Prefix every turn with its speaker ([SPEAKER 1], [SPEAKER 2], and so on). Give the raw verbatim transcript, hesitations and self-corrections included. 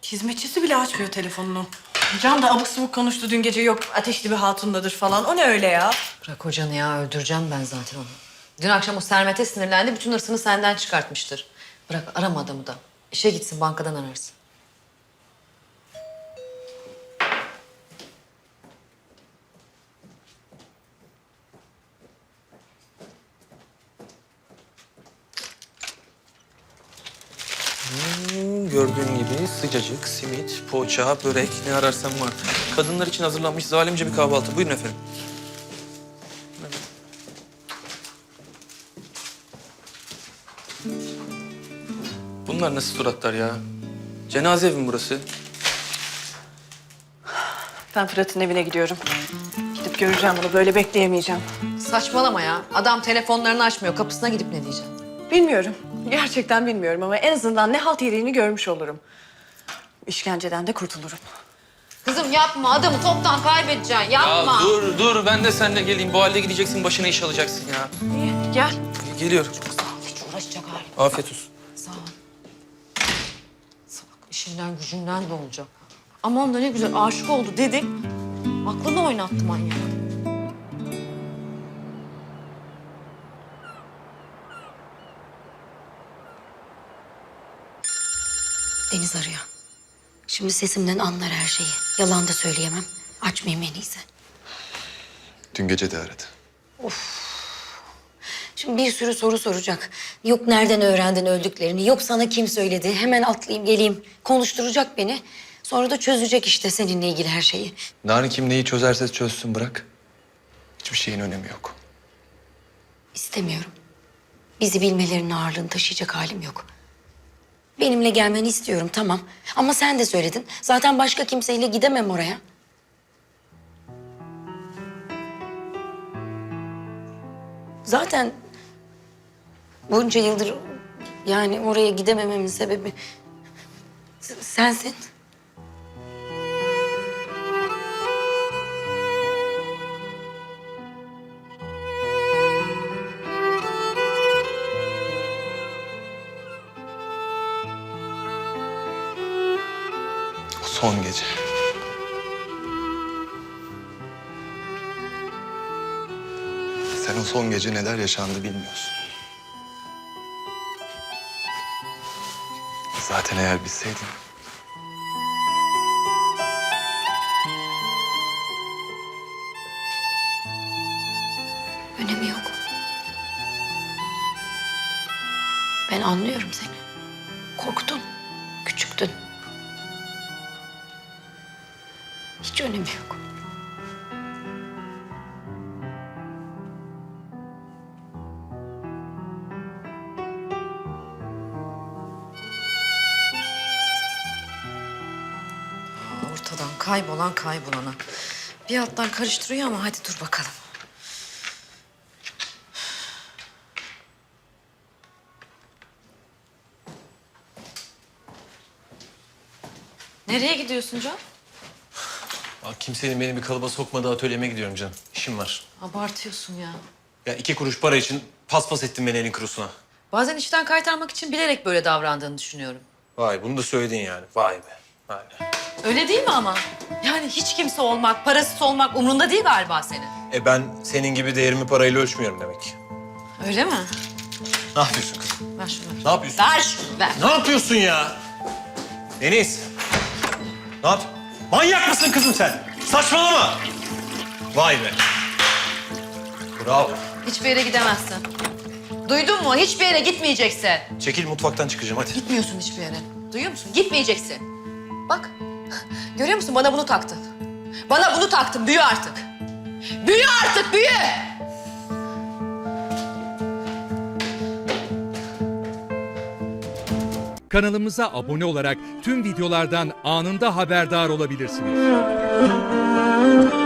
[SPEAKER 1] Hizmetçisi bile açmıyor telefonunu. Can da abuk subuk konuştu dün gece, yok ateşli bir hatundadır falan. O ne öyle ya?
[SPEAKER 2] Bırak hocanı ya, öldüreceğim ben zaten onu. Dün akşam o Sermet'e sinirlendi, bütün hırsını senden çıkartmıştır. Bırak, arama adamı da. İşe gitsin, bankadan ararsın.
[SPEAKER 3] Hmm, gördüğün gibi sıcacık, simit, poğaça, börek ne ararsan var. Kadınlar için hazırlanmış zalimce bir kahvaltı. Buyurun efendim. Bunlar nasıl suratlar ya? Cenaze evi mi burası?
[SPEAKER 1] Ben Fırat'ın evine gidiyorum. Gidip göreceğim bunu, böyle bekleyemeyeceğim.
[SPEAKER 2] Saçmalama ya. Adam telefonlarını açmıyor. Kapısına gidip ne diyeceğim?
[SPEAKER 1] Bilmiyorum. Gerçekten bilmiyorum ama en azından ne halt yediğini görmüş olurum. İşkenceden de kurtulurum.
[SPEAKER 2] Kızım yapma. Adamı toptan kaybedeceksin. Yapma.
[SPEAKER 3] Ya dur dur ben de seninle geleyim. Bu halde gideceksin, başına iş alacaksın ya.
[SPEAKER 1] İyi, gel.
[SPEAKER 3] Geliyorum.
[SPEAKER 2] Sağ ol. Hiç uğraşacak halim.
[SPEAKER 3] Afiyet olsun.
[SPEAKER 2] Sağ ol. Salak, işinden gücünden de olacak. Aman da ne güzel aşık oldu dedik. Aklını oynattı manyak.
[SPEAKER 4] Deniz arıyor. Şimdi sesimden anlar her şeyi. Yalan da söyleyemem. Açmayayım en iyisi.
[SPEAKER 5] Dün gece de aradı.
[SPEAKER 4] Şimdi bir sürü soru soracak. Yok nereden öğrendin öldüklerini, yok sana kim söyledi. Hemen atlayayım geleyim. Konuşturacak beni. Sonra da çözecek işte seninle ilgili her şeyi.
[SPEAKER 5] Narin kim neyi çözerse çözsün bırak. Hiçbir şeyin önemi yok.
[SPEAKER 4] İstemiyorum. Bizi bilmelerinin ağırlığını taşıyacak halim yok. Benimle gelmeni istiyorum tamam. Ama sen de söyledin. Zaten başka kimseyle gidemem oraya. Zaten bunca yıldır yani oraya gidemememin sebebi s- sensin.
[SPEAKER 5] O son gece. Sen o son gece neler yaşandı bilmiyorsun. Zaten eğer bilseydin...
[SPEAKER 4] Önemi yok. Ben anlıyorum seni. Korktun, küçüktün. Hiç önemi yok.
[SPEAKER 2] Ortadan kaybolan kaybolana. Bir alttan karıştırıyor ama hadi dur bakalım. Nereye gidiyorsun Can?
[SPEAKER 6] Bak kimsenin beni bir kalıba sokmadığı atölyeme gidiyorum canım. İşim var.
[SPEAKER 2] Abartıyorsun ya.
[SPEAKER 6] Ya iki kuruş para için paspas ettin beni elin kurusuna.
[SPEAKER 2] Bazen işten kaytarmak için bilerek böyle davrandığını düşünüyorum.
[SPEAKER 6] Vay bunu da söyledin yani. Vay be. Vay be.
[SPEAKER 2] Öyle değil mi ama? Yani hiç kimse olmak, parasız olmak umrunda değil galiba senin.
[SPEAKER 6] E ben senin gibi değerimi parayla ölçmüyorum demek ki.
[SPEAKER 2] Öyle mi?
[SPEAKER 6] Ne yapıyorsun kızım?
[SPEAKER 2] Ver şunu.
[SPEAKER 6] Ne yapıyorsun?
[SPEAKER 2] Ver şunu, ver.
[SPEAKER 6] Ne yapıyorsun ya? Deniz. Ne yap? Manyak mısın kızım sen? Saçmalama. Vay be. Bravo.
[SPEAKER 2] Hiçbir yere gidemezsin. Duydun mu? Hiçbir yere gitmeyeceksin.
[SPEAKER 6] Çekil mutfaktan çıkacağım hadi.
[SPEAKER 2] Gitmiyorsun hiçbir yere. Duyuyor musun? Gitmeyeceksin. Bak. Görüyor musun? Bana bunu taktın. Bana bunu taktın. Büyü artık. Büyü artık, büyü!
[SPEAKER 7] Kanalımıza abone olarak tüm videolardan anında haberdar olabilirsiniz.